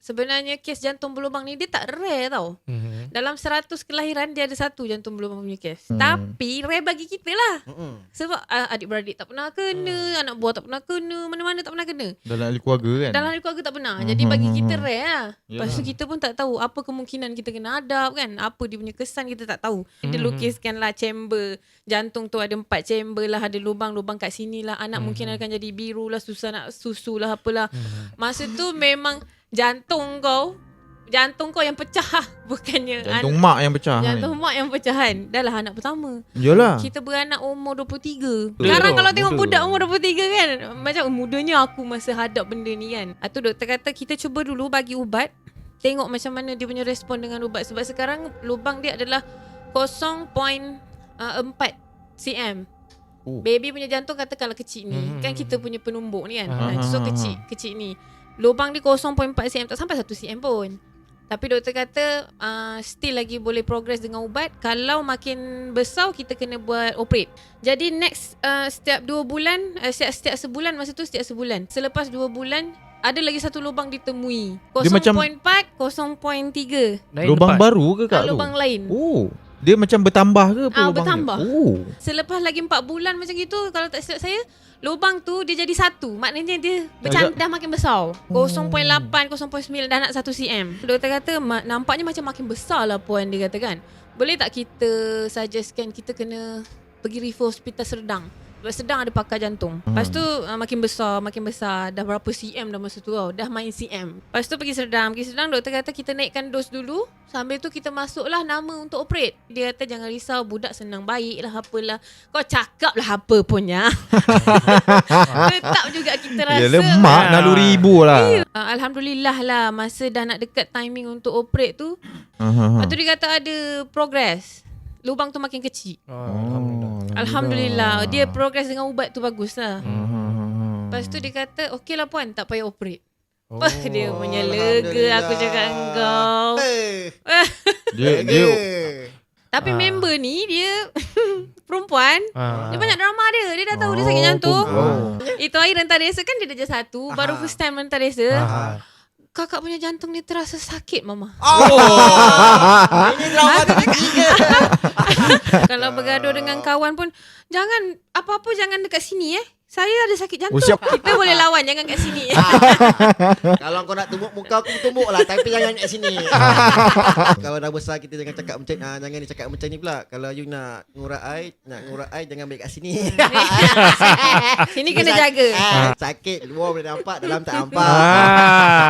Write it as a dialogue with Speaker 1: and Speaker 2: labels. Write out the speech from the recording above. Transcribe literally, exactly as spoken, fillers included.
Speaker 1: sebenarnya kes jantung berlubang ni dia tak rare tau. Mm-hmm. Dalam seratus kelahiran dia ada satu jantung berlubang punya kes. Hmm. Tapi rare bagi kita lah. Mm-hmm. Sebab uh, adik-beradik tak pernah kena, mm. anak buah tak pernah kena, mana-mana tak pernah kena.
Speaker 2: Dalam ahli keluarga kan?
Speaker 1: Dalam ahli keluarga tak pernah. Mm-hmm. Jadi bagi kita rare lah. Lepas tu kita pun tak tahu apa kemungkinan kita kena hadap kan. Apa dia punya kesan kita tak tahu. Mm-hmm. Dia lukiskan lah chamber. Jantung tu ada empat chamber lah. Ada lubang-lubang kat sini lah. Anak mm-hmm. mungkin akan jadi biru lah. Susah nak susu lah apalah. Mm-hmm. Masa tu memang jantung kau Jantung kau yang pecah. Bukannya
Speaker 2: Jantung an- mak yang pecah.
Speaker 1: Jantung mak yang pecahan. Dah lah anak pertama.
Speaker 2: Yalah.
Speaker 1: Kita beranak umur dua puluh tiga. Sekarang kalau tengok budak umur dua puluh tiga kan, macam mudanya aku masa hadap benda ni kan. Itu doktor kata kita cuba dulu bagi ubat. Tengok macam mana dia punya respon dengan ubat. Sebab sekarang lubang dia adalah kosong perpuluhan empat cm. Oh. Baby punya jantung katakanlah kecil ni. Hmm. Kan kita punya penumbuk ni kan. Uh-huh. So kecil kecil ni. Lubang dia kosong perpuluhan empat cm, tak sampai satu cm pun. Tapi doktor kata uh, still lagi boleh progress dengan ubat. Kalau makin besar kita kena buat operate. Jadi next uh, setiap dua bulan, uh, setiap, setiap sebulan, masa tu setiap sebulan. Selepas dua bulan ada lagi satu lubang ditemui. kosong perpuluhan empat, kosong perpuluhan tiga.
Speaker 2: Lubang baru ke kak
Speaker 1: uh, Lubang
Speaker 2: tu?
Speaker 1: lain.
Speaker 2: Oh. Dia macam bertambah ke apa
Speaker 1: ah,
Speaker 2: lubang
Speaker 1: bertambah.
Speaker 2: dia? Oh.
Speaker 1: Selepas lagi empat bulan macam gitu, kalau tak silap saya, lubang tu dia jadi satu. Maknanya dia bercam- dah makin besar. kosong perpuluhan lapan, kosong perpuluhan sembilan dah nak satu cm. Doktor kata nampaknya macam makin besar lah puan dia kata kan. Boleh tak kita suggestkan kita kena pergi refer hospital Serdang. Sebab Serdang ada pakar jantung. Lepas tu uh, makin besar, makin besar. Dah berapa cm dah masa tu tau. Dah main cm. Lepas tu pergi Serdang. Pergi Serdang doktor kata kita naikkan dos dulu. Sambil tu kita masuklah nama untuk operate. Dia kata jangan risau, budak senang baik lah apalah. Kau cakap lah apa punya. Tetap juga kita rasa.
Speaker 2: Ya lemak naluri ibu lah.
Speaker 1: Uh, Alhamdulillah lah masa dah nak dekat timing untuk operate tu.
Speaker 2: Uh-huh.
Speaker 1: Lepas tu dia kata ada progress. Lubang tu makin kecil. Oh, Alhamdulillah. Alhamdulillah. Dia progress dengan ubat tu bagus lah. Uh-huh. Lepas tu dia kata okey lah puan, tak payah operate. Oh, dia punya lega aku cakap engkau. Hey.
Speaker 2: dia dia
Speaker 1: Tapi ah. member ni dia perempuan. Ah. Dia banyak drama dia. Dia dah tahu oh, dia sakit jantung. Oh. Itu hari rentar desa kan dia dah jadi satu. Ah. Baru first time rentar desa. Ah. Kakak punya jantung dia terasa sakit mama. Oh. Ini drama ketiga. Kalau bergaduh dengan kawan pun jangan apa-apa jangan dekat sini eh. Saya ada sakit jantung. Oh, kita boleh lawan jangan kat sini.
Speaker 3: Kalau kau nak tumbuk muka aku tumbuk lah tapi jangan kat sini. Kalau dah besar kita jangan cakap macam ah, jangan cakap macam ni pula. Kalau you nak ngurat air, nak ngurat air jangan balik kat sini.
Speaker 1: Sini kena jaga.
Speaker 3: Ah, sakit luar boleh nampak, dalam tak nampak.